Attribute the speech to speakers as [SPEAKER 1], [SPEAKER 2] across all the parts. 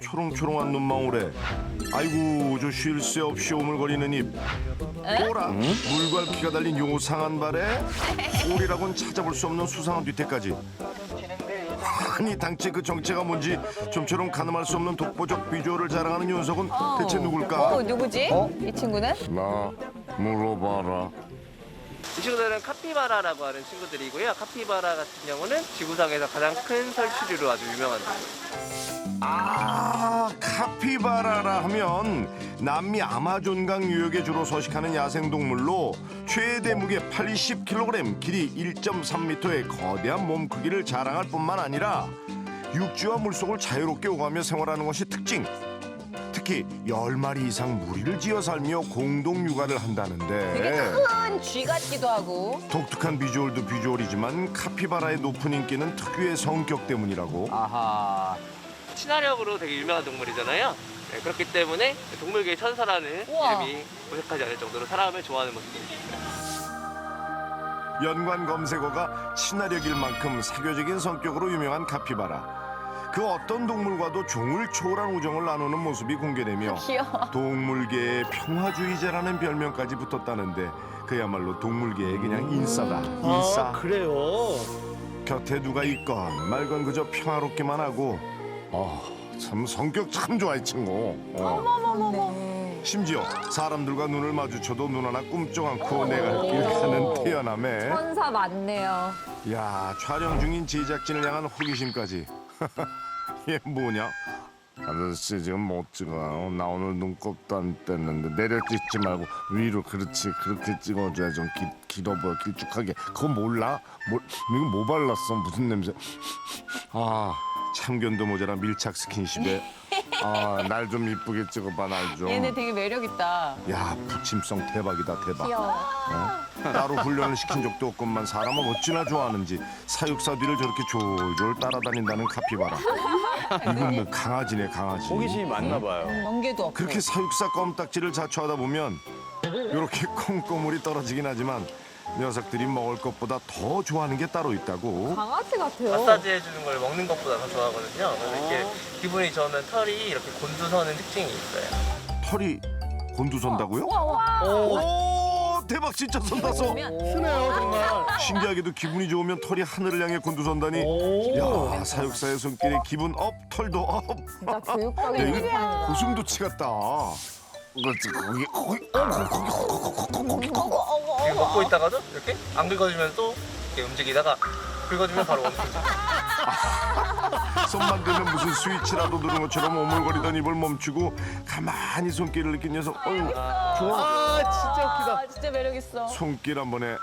[SPEAKER 1] 초롱초롱한 눈망울에 아이고 저 쉴 새 없이 오물거리는 입 꼬라 물갈퀴가 달린 요상한 발에 꼬리라곤 찾아볼 수 없는 수상한 뒤태까지 아니 당최 그 정체가 뭔지 좀처럼 가늠할 수 없는 독보적 비주얼을 자랑하는 윤석은 대체 누굴까?
[SPEAKER 2] 누구지? 이 친구는?
[SPEAKER 1] 나 물어봐라.
[SPEAKER 3] 이 친구들은 카피바라라고 하는 친구들이고요. 카피바라 같은 경우는 지구상에서 가장 큰 설치류로 아주 유명한 동물.
[SPEAKER 1] 아 카피바라라 하면 남미 아마존강 유역에 주로 서식하는 야생동물로 최대 무게 80kg, 길이 1.3m의 거대한 몸 크기를 자랑할 뿐만 아니라 육지와 물속을 자유롭게 오가며 생활하는 것이 특징. 특히 10마리 이상 무리를 지어 살며 공동 육아를 한다는데
[SPEAKER 2] 되게 큰 쥐 같기도 하고.
[SPEAKER 1] 독특한 비주얼도 비주얼이지만 카피바라의 높은 인기는 특유의 성격 때문이라고.
[SPEAKER 4] 아하.
[SPEAKER 3] 친화력으로 되게 유명한 동물이잖아요. 네, 그렇기 때문에 동물계의 천사라는
[SPEAKER 2] 우와.
[SPEAKER 3] 이름이 고색하지 않을 정도로 사람을 좋아하는 모습이 있습니다.
[SPEAKER 1] 연관 검색어가 친화력일 만큼 사교적인 성격으로 유명한 카피바라. 그 어떤 동물과도 종을 초월한 우정을 나누는 모습이 공개되며
[SPEAKER 2] 귀여워.
[SPEAKER 1] 동물계의 평화주의자라는 별명까지 붙었다는데 그야말로 동물계의 그냥 인싸다. 인싸.
[SPEAKER 5] 아, 그래요?
[SPEAKER 1] 곁에 누가 있건 말건 그저 평화롭기만 하고 참 성격 참 좋아 이 친구. 심지어 사람들과 눈을 마주쳐도 눈 하나 꿈쩍 않고 내가 길 가는 태연함에
[SPEAKER 2] 천사 맞네요.
[SPEAKER 1] 야 촬영 중인 제작진을 향한 호기심까지. 얘 뭐냐? 아저씨 지금 못 찍어요. 나 오늘 눈곱도 안 뗐는데 내려 찍지 말고 위로 그렇지 그렇게 찍어줘야 좀 길어 보여 길쭉하게. 그거 몰라? 이거 뭐 발랐어? 무슨 냄새? 아 참견도 모자라 밀착 스킨십에 날 좀 이쁘게 찍어봐 날 좀.
[SPEAKER 2] 얘네 되게 매력 있다.
[SPEAKER 1] 야 부침성 대박이다 대박.
[SPEAKER 2] 귀여워.
[SPEAKER 1] 따로 훈련을 시킨 적도 없건만 사람을 어찌나 좋아하는지 사육사 뒤를 저렇게 졸졸 따라다닌다는 카피바라. 이건 뭐 강아지네 강아지.
[SPEAKER 4] 호기심이 많나 봐요.
[SPEAKER 2] 멍게도 없고.
[SPEAKER 1] 그렇게 사육사 껌딱지를 자초하다 보면 이렇게 콩고물이 떨어지긴 하지만 녀석들이 먹을 것보다 더 좋아하는 게 따로 있다고.
[SPEAKER 2] 강아지 같아요.
[SPEAKER 3] 마사지 해주는 걸 먹는 것보다 더 좋아하거든요. 그래서 이렇게 기분이 좋으면 털이 이렇게 곤두서는 특징이 있어요.
[SPEAKER 1] 털이 곤두선다고요?
[SPEAKER 2] 와.
[SPEAKER 1] 오 대박 진짜 선다 서.
[SPEAKER 5] 쓰네요, 정말.
[SPEAKER 1] 신기하게도 기분이 좋으면 털이 하늘을 향해 곤두선다니.
[SPEAKER 5] 오.
[SPEAKER 1] 야 사육사의 손길에 기분 업 털도 업.
[SPEAKER 2] 진짜
[SPEAKER 1] 야,
[SPEAKER 2] 교육적인
[SPEAKER 1] 이거
[SPEAKER 2] 인간이다.
[SPEAKER 1] 고슴도치 같다. 그렇지 거기
[SPEAKER 3] 지금 먹고 있다가도 이렇게 안 긁어주면 또 이렇게 움직이다가 긁어주면 바로 멈추죠.
[SPEAKER 1] 손만 대면 무슨 스위치라도 누른 것처럼 오물거리던 입을 멈추고 가만히 손길을 느낀 녀석. 어휴 좋아.
[SPEAKER 5] 아, 진짜 웃기다.
[SPEAKER 2] 아, 진짜 매력 있어.
[SPEAKER 1] 손길 한 번에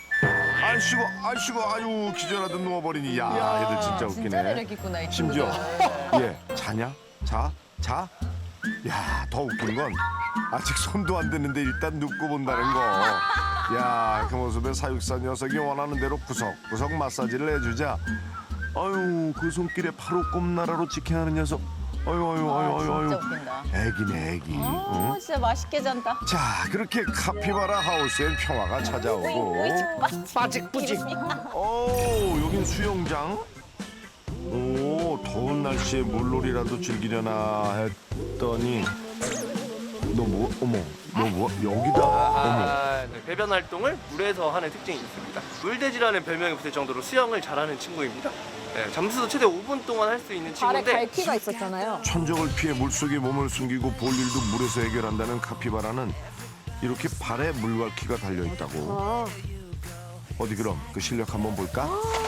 [SPEAKER 1] 아이씨고 아유 기절하듯 누워버리니 야 얘들 진짜 웃기네.
[SPEAKER 2] 진짜 매력 있구나 이
[SPEAKER 1] 심지어
[SPEAKER 2] 친구들.
[SPEAKER 1] 얘 자냐? 자? 야 더 웃긴 건 아직 손도 안 댔는데 일단 눕고 본다는 거. 야 그 모습에 사육사 녀석이 원하는 대로 구석구석 마사지를 해주자. 아유 그 손길에 바로 꼼나라로 지켜하는 녀석. 아유
[SPEAKER 2] 진짜 웃긴다.
[SPEAKER 1] 애기네 애기. 응?
[SPEAKER 2] 진짜 맛있게 잔다.
[SPEAKER 1] 자 그렇게 카피바라 하우스엔 평화가 찾아오고
[SPEAKER 5] 빠직뿌직.
[SPEAKER 1] 여긴 수영장? 오 더운 날씨에 물놀이라도 즐기려나 했더니 너 여기다.
[SPEAKER 3] 네, 배변 활동을 물에서 하는 특징이 있습니다. 물돼지라는 별명이 붙을 정도로 수영을 잘하는 친구입니다. 네, 잠수도 최대 5분 동안 할 수 있는
[SPEAKER 2] 발에
[SPEAKER 3] 친구인데
[SPEAKER 2] 갈퀴가 있었잖아요.
[SPEAKER 1] 천적을 피해 물속에 몸을 숨기고 볼 일도 물에서 해결한다는 카피바라는 이렇게 발에 물갈퀴가 달려있다고. 어디 그럼 그 실력 한번 볼까?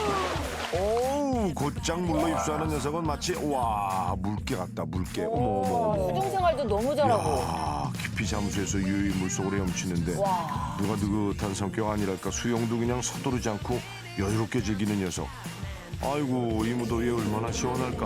[SPEAKER 1] 오우 곧장 물로 입수하는 녀석은 마치 와 물개 같다 물개. 어머
[SPEAKER 2] 수중 생활도 너무 잘하고.
[SPEAKER 1] 야, 깊이 잠수해서 유유히 물속으로 헤엄치는데
[SPEAKER 2] 와.
[SPEAKER 1] 누가 느긋한 성격 아니랄까 수영도 그냥 서두르지 않고 여유롭게 즐기는 녀석. 아이고 이 무더위에 얼마나 시원할까.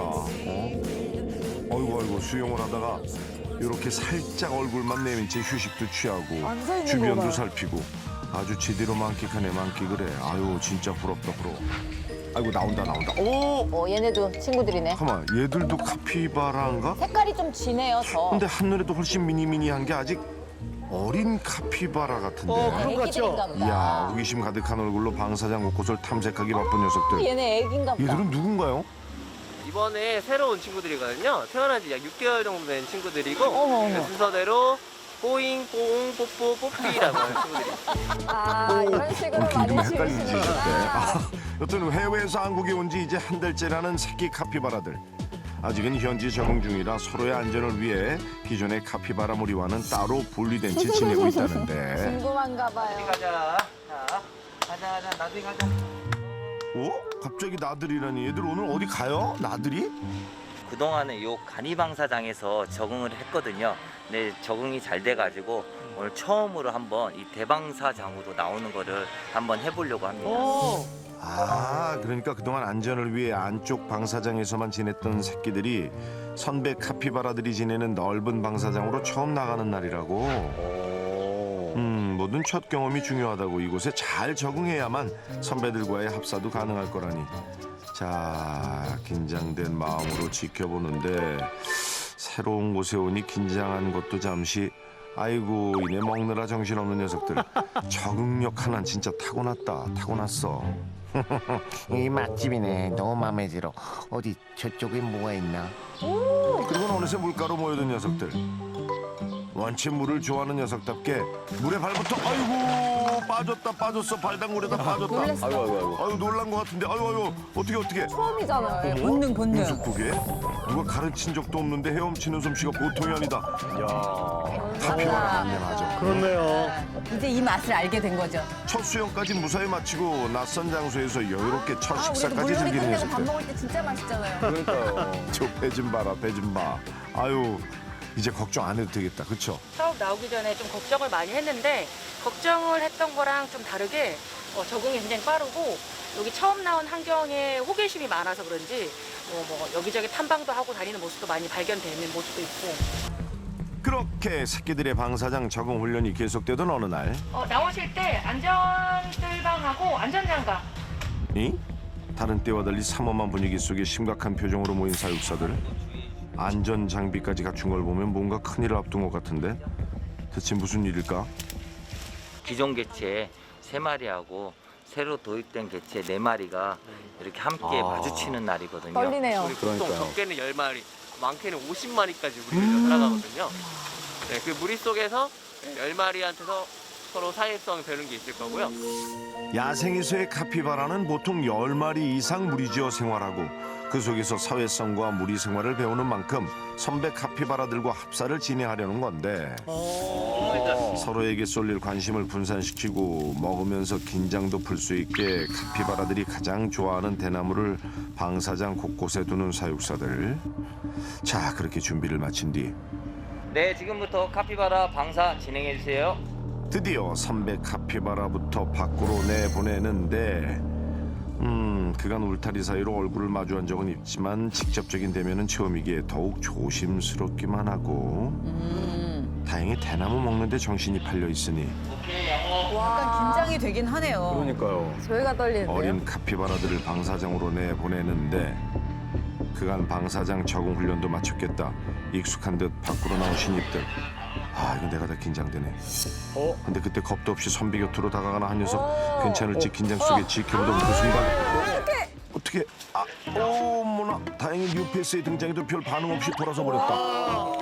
[SPEAKER 1] 아이고 수영을 하다가 이렇게 살짝 얼굴만 내민 채 휴식도 취하고
[SPEAKER 2] 앉아있는
[SPEAKER 1] 주변도
[SPEAKER 2] 거 봐요.
[SPEAKER 1] 살피고 아주 제대로 만끽하네 만끽을 해. 아유 진짜 부럽다 부러워. 아이고 나온다. 오!
[SPEAKER 2] 얘네도 친구들이네.
[SPEAKER 1] 잠깐만 얘들도 카피바라인가?
[SPEAKER 2] 색깔이 좀 진해요, 더.
[SPEAKER 1] 근데 한눈에도 훨씬 미니미니한 게 아직 어린 카피바라 같은데.
[SPEAKER 5] 그런 것 같죠?
[SPEAKER 2] 애기들인가 보다.
[SPEAKER 1] 이야 호기심 가득한 얼굴로 방사장 곳곳을 탐색하기 바쁜 녀석들.
[SPEAKER 2] 얘네 애기인가 보다.
[SPEAKER 1] 얘들은 누군가요?
[SPEAKER 3] 이번에 새로 온 친구들이거든요. 태어난 지 약 6개월 정도 된 친구들이고
[SPEAKER 2] 어머.
[SPEAKER 3] 네, 순서대로 뽀잉, 뽀옹, 뽀뽀, 뽀삐라고 하는 친구들이 있어요.
[SPEAKER 2] 아, 이런 식으로
[SPEAKER 1] 웃긴 좀
[SPEAKER 2] 많이
[SPEAKER 1] 헷갈리지.
[SPEAKER 2] 지으시는구나.
[SPEAKER 1] 여튼 해외에서 한국에 온 지 이제 한 달째라는 새끼 카피바라들. 아직은 현지 적응 중이라 서로의 안전을 위해 기존의 카피바라 무리와는 따로 분리된 채 지내고 있다는데.
[SPEAKER 2] 궁금한가 봐요.
[SPEAKER 4] 가자. 자, 가자. 나중에 가자.
[SPEAKER 1] 갑자기 나들이라니. 얘들 오늘 어디 가요? 나들이?
[SPEAKER 4] 그동안에 요 간이방사장에서 적응을 했거든요. 근데 적응이 잘 돼가지고 오늘 처음으로 한번 이 대방사장으로 나오는 거를 한번 해보려고 합니다.
[SPEAKER 1] 그러니까 그동안 안전을 위해 안쪽 방사장에서만 지냈던 새끼들이 선배 카피바라들이 지내는 넓은 방사장으로 처음 나가는 날이라고. 뭐든 첫 경험이 중요하다고 이곳에 잘 적응해야만 선배들과의 합사도 가능할 거라니. 자, 긴장된 마음으로 지켜보는데 새로운 곳에 오니 긴장한 것도 잠시. 아이고, 이내 먹느라 정신없는 녀석들. 적응력 하나는 진짜 타고났어.
[SPEAKER 6] 이 맛집이네. 너무 마음에 들어. 어디 저쪽에 뭐가 있나?
[SPEAKER 1] 그리고는 어느새 물가로 모여든 녀석들. 원체 물을 좋아하는 녀석답게 물에 발부터 아이고 빠졌어 발당물에다 빠졌다.
[SPEAKER 2] 놀랬어.
[SPEAKER 1] 아유 놀란 것 같은데 아유 어떻게
[SPEAKER 2] 처음이잖아요.
[SPEAKER 7] 본능.
[SPEAKER 1] 무슨 그게? 누가 가르친 적도 없는데 헤엄치는 솜씨가 보통이 아니다. 카피바라 맞네 맞아.
[SPEAKER 5] 그렇네요.
[SPEAKER 7] 이제 이 맛을 알게 된 거죠.
[SPEAKER 1] 첫 수영까지 무사히 마치고 낯선 장소에서 여유롭게 첫
[SPEAKER 2] 우리도
[SPEAKER 1] 식사까지
[SPEAKER 2] 물놀이
[SPEAKER 1] 즐기는
[SPEAKER 2] 끝내고 밥
[SPEAKER 1] 녀석들.
[SPEAKER 2] 먹을 때 진짜 맛있잖아요.
[SPEAKER 1] 저 배 좀 봐라 배 좀 봐. 아유 이제 걱정 안 해도 되겠다 그쵸?
[SPEAKER 8] 처음 나오기 전에 좀 걱정을 많이 했는데 걱정을 했던 거랑 좀 다르게 적응이 굉장히 빠르고 여기 처음 나온 환경에 호기심이 많아서 그런지 뭐 여기저기 탐방도 하고 다니는 모습도 많이 발견되는 모습도 있고
[SPEAKER 1] 그렇게 새끼들의 방사장 적응 훈련이 계속되던 어느 날
[SPEAKER 8] 나오실 때 안전뜰방하고 안전장갑
[SPEAKER 1] 다른 때와 달리 삼엄한 분위기 속에 심각한 표정으로 모인 사육사들. 안전 장비까지 갖춘 걸 보면 뭔가 큰일을 앞둔 것 같은데 대체 무슨 일일까?
[SPEAKER 4] 기존 개체 3마리하고 새로 도입된 개체 4마리가 이렇게 함께 마주치는 날이거든요.
[SPEAKER 2] 떨리네요.
[SPEAKER 3] 우리 보통 적게는 10마리, 많게는 50마리까지 무리를 살아가거든요. 네, 그 무리 속에서 10마리한테서 서로 사회성 배우는 게 있을 거고요.
[SPEAKER 1] 야생에서의 카피바라는 보통 10마리 이상 무리지어 생활하고 그 속에서 사회성과 무리 생활을 배우는 만큼 선배 카피바라들과 합사를 진행하려는 건데 서로에게 쏠릴 관심을 분산시키고 먹으면서 긴장도 풀 수 있게 카피바라들이 가장 좋아하는 대나무를 방사장 곳곳에 두는 사육사들. 자, 그렇게 준비를 마친 뒤
[SPEAKER 4] 네, 지금부터 카피바라 방사 진행해 주세요.
[SPEAKER 1] 드디어 선배 카피바라부터 밖으로 내보내는데 그간 울타리 사이로 얼굴을 마주한 적은 있지만 직접적인 대면은 처음이기에 더욱 조심스럽기만 하고 다행히 대나무 먹는데 정신이 팔려 있으니
[SPEAKER 7] 약간 긴장이 되긴 하네요.
[SPEAKER 2] 저희가 떨리는데요.
[SPEAKER 1] 어린 카피바라들을 방사장으로 내보내는데 그간 방사장 적응 훈련도 마쳤겠다. 익숙한 듯 밖으로 나온 신입들. 이거 내가 다 긴장되네. 근데 그때 겁도 없이 선비 곁으로 다가가는 한 녀석. 괜찮을지 긴장 속에 지켜보던 그 순간 어떻게 어머나 다행히 뉴페이스의 등장에도 별 반응 없이 돌아서 버렸다.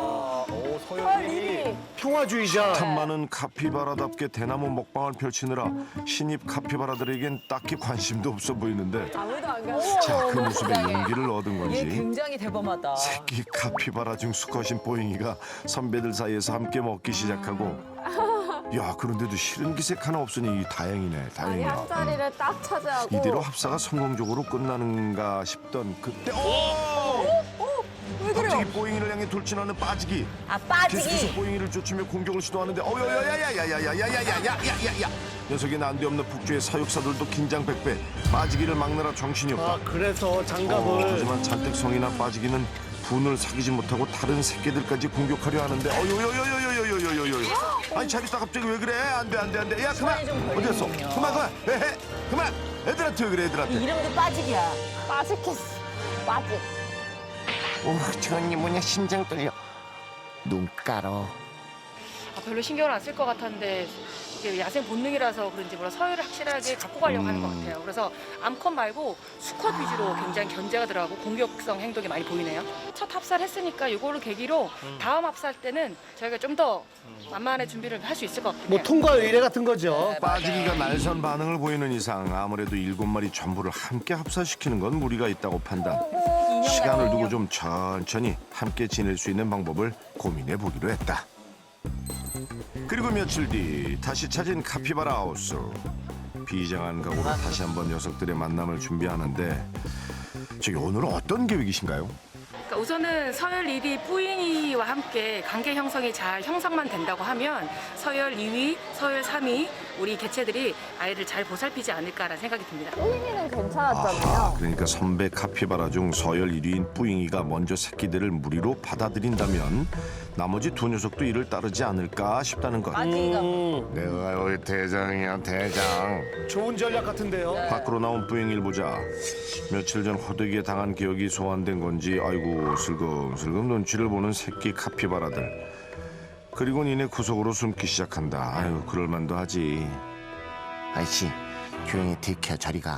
[SPEAKER 2] 리리.
[SPEAKER 5] 평화주의자.
[SPEAKER 1] 참 많은 카피바라답게 대나무 먹방을 펼치느라 신입 카피바라들에겐 딱히 관심도 없어 보이는데
[SPEAKER 2] 아무도 안 가요.
[SPEAKER 1] 자, 그 모습에 용기를 얻은
[SPEAKER 7] 얘
[SPEAKER 1] 건지
[SPEAKER 7] 굉장히 대범하다.
[SPEAKER 1] 새끼 카피바라 중 수컷인 뽀잉이가 선배들 사이에서 함께 먹기 시작하고 야, 그런데도 싫은 기색 하나 없으니 다행이네
[SPEAKER 2] 아니
[SPEAKER 1] 다행이야.
[SPEAKER 2] 한 자리를 딱 차지하고.
[SPEAKER 1] 이대로 합사가 성공적으로 끝나는가 싶던 그때
[SPEAKER 2] 왜 그래요?
[SPEAKER 1] 갑자기 뽀잉이를 향해 돌진하는 빠지기.
[SPEAKER 7] 아,
[SPEAKER 1] 계속해서
[SPEAKER 7] 빠지기.
[SPEAKER 1] 뽀잉이를 쫓으며 공격을 시도하는데 야야야야야야야야야야야야야야야 녀석의 난데없는 폭주에 사육사들도 긴장 백배. 빠지기를 막느라 정신이 없다.
[SPEAKER 5] 그래서 장갑을.
[SPEAKER 1] 하지만 잔뜩 성이 난 빠지기는 분을 사귀지 못하고 다른 새끼들까지 공격하려 하는데 아니 자기사 갑자기 왜 그래? 안돼 야 그만 어디 갔어? 그만 에헤 그만 애들한테 왜 그래 애들한테.
[SPEAKER 7] 이름도 빠지기야.
[SPEAKER 2] 빠지겠어. 빠지.
[SPEAKER 6] 저언니 뭐냐 심장 떨려. 눈 깔어.
[SPEAKER 8] 별로 신경을 안 쓸 것 같았는데 이게 야생 본능이라서 그런지 몰라 서열을 확실하게 갖고 가려고 하는 것 같아요. 그래서 암컷 말고 수컷 위주로 굉장히 견제가 들어가고 공격성 행동이 많이 보이네요. 첫 합살했으니까 이거를 계기로 다음 합살 때는 저희가 좀 더 만만한 준비를 할 수 있을 것 같아요.
[SPEAKER 5] 뭐 통과 의례 같은 거죠.
[SPEAKER 1] 빠지기가 날선 반응을 보이는 이상 아무래도 7마리 전부를 함께 합사시키는 건 무리가 있다고 판단. 시간을 두고 좀 천천히 함께 지낼 수 있는 방법을 고민해 보기로 했다. 그리고 며칠 뒤 다시 찾은 카피바라 하우스. 비장한 각오로 다시 한번 녀석들의 만남을 준비하는데 저기 오늘은 어떤 계획이신가요?
[SPEAKER 8] 그러니까 우선은 서열 1위 뿌잉이와 함께 관계 형성이 잘 형성만 된다고 하면 서열 2위, 서열 3위 우리 개체들이 아이를 잘 보살피지 않을까라는 생각이 듭니다.
[SPEAKER 2] 뿌잉이는 괜찮았잖아요.
[SPEAKER 1] 아하, 그러니까 선배 카피바라 중 서열 1위인 뿌잉이가 먼저 새끼들을 무리로 받아들인다면 나머지 두 녀석도 이를 따르지 않을까 싶다는 것.
[SPEAKER 7] 빠지기가
[SPEAKER 1] 내가 여기 대장이야, 대장.
[SPEAKER 5] 좋은 전략 같은데요.
[SPEAKER 1] 밖으로 나온 뿌잉이를 보자. 며칠 전 호되기에 당한 기억이 소환된 건지 아이고 슬금슬금 눈치를 보는 새끼 카피바라들. 그리고 니네 구석으로 숨기 시작한다. 아유 그럴만도 하지.
[SPEAKER 6] 아이씨, 조용히 들켜 저리 가.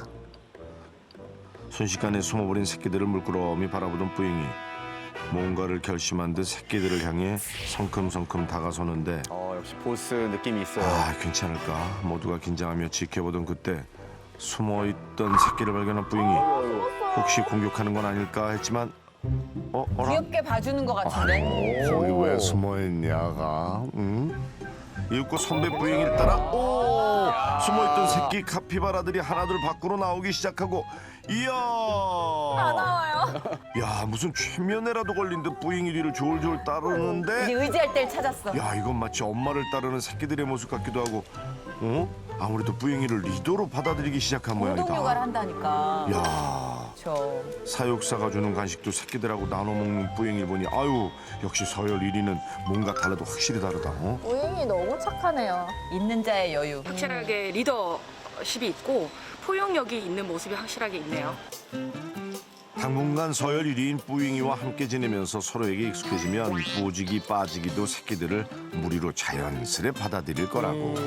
[SPEAKER 1] 순식간에 숨어버린 새끼들을 물끄러미 바라보던 뿌잉이 뭔가를 결심한 듯 새끼들을 향해 성큼성큼 다가서는데
[SPEAKER 9] 역시 보스 느낌이 있어요.
[SPEAKER 1] 아 괜찮을까? 모두가 긴장하며 지켜보던 그때 숨어있던 새끼를 발견한 뿌잉이 혹시 공격하는 건 아닐까 했지만 어라?
[SPEAKER 7] 귀엽게 봐주는 것 같은데.
[SPEAKER 1] 거기 왜 숨어있냐가? 응? 이윽고 선배 뿌잉이를 따라 숨어있던 새끼 카피바라들이 하나둘 밖으로 나오기 시작하고 이야
[SPEAKER 2] 나와요.
[SPEAKER 1] 야 무슨 최면에라도 걸린 듯 뿌잉이 뒤를 졸졸
[SPEAKER 7] 이제
[SPEAKER 1] 따르는데
[SPEAKER 7] 의지할 때를 찾았어.
[SPEAKER 1] 야 이건 마치 엄마를 따르는 새끼들의 모습 같기도 하고 아무래도 뿌잉이를 리더로 받아들이기 시작한
[SPEAKER 7] 공동 육아를
[SPEAKER 1] 모양이다.
[SPEAKER 7] 한다니까.
[SPEAKER 1] 야
[SPEAKER 7] 저
[SPEAKER 1] 사육사가 주는 간식도 새끼들하고 나눠 먹는 뿌잉이를 보니 아유 역시 서열 1위는 뭔가 달라도 확실히 다르다.
[SPEAKER 2] 뿌잉이 너무 착하네요.
[SPEAKER 7] 있는 자의 여유.
[SPEAKER 8] 확실하게 리더십이 있고 포용력이 있는 모습이 확실하게 있네요.
[SPEAKER 1] 당분간 서열 1위인 뿌잉이와 함께 지내면서 서로에게 익숙해지면 뿌지기 빠지기도 새끼들을 무리로 자연스레 받아들일 거라고.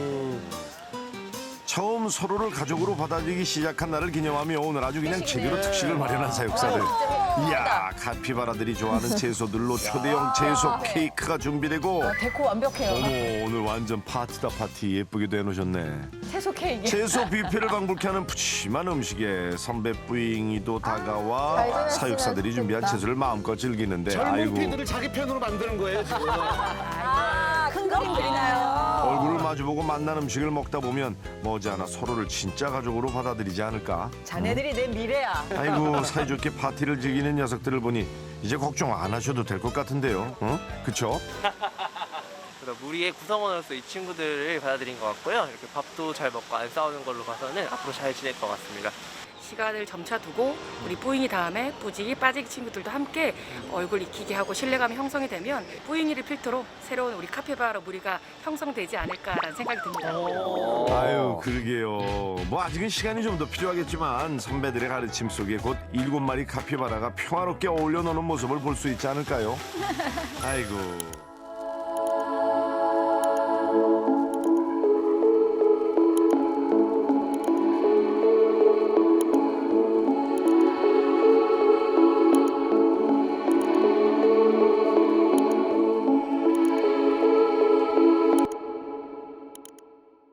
[SPEAKER 1] 처음 서로를 가족으로 받아들이기 시작한 날을 기념하며 오늘 아주 그냥 제대로 특식을 마련한 사육사들. 이야 카피바라들이 좋아하는 채소들로 초대형 채소 케이크가 준비되고
[SPEAKER 7] 데코 완벽해요.
[SPEAKER 1] 어머 오늘 완전 파티다 파티 예쁘게도 해놓으셨네.
[SPEAKER 7] 채소 케이크.
[SPEAKER 1] 채소 뷔페를 방불케 하는 푸짐한 음식에 선배 뿌잉이도 다가와
[SPEAKER 2] 잘 지냈으면
[SPEAKER 1] 사육사들이 준비한
[SPEAKER 2] 좋겠다.
[SPEAKER 1] 채소를 마음껏 즐기는데
[SPEAKER 5] 젊은
[SPEAKER 1] 아이고
[SPEAKER 5] 피들을 자기 편으로 만드는 거예요 지금.
[SPEAKER 7] 큰 그림 그리나요?
[SPEAKER 1] 얼굴을 마주보고 만난 음식을 먹다 보면 머지않아 서로를 진짜 가족으로 받아들이지 않을까.
[SPEAKER 7] 자네들이 내 미래야.
[SPEAKER 1] 아이고 사이좋게 파티를 즐기는 녀석들을 보니 이제 걱정 안 하셔도 될 것 같은데요. 그쵸?
[SPEAKER 3] 그래서 무리의 구성원으로서 이 친구들을 받아들인 것 같고요. 이렇게 밥도 잘 먹고 안 싸우는 걸로 봐서는 앞으로 잘 지낼 것 같습니다.
[SPEAKER 8] 시간을 점차 두고 우리 뿌잉이 다음에 뿌지기 빠지기 친구들도 함께 얼굴 익히게 하고 신뢰감이 형성이 되면 뿌잉이를 필두로 새로운 우리 카피바라 무리가 형성되지 않을까라는 생각이 듭니다.
[SPEAKER 1] 아유 그러게요. 뭐 아직은 시간이 좀 더 필요하겠지만 선배들의 가르침 속에 곧 7마리 카피바라가 평화롭게 어울려 노는 모습을 볼 수 있지 않을까요? 아이고.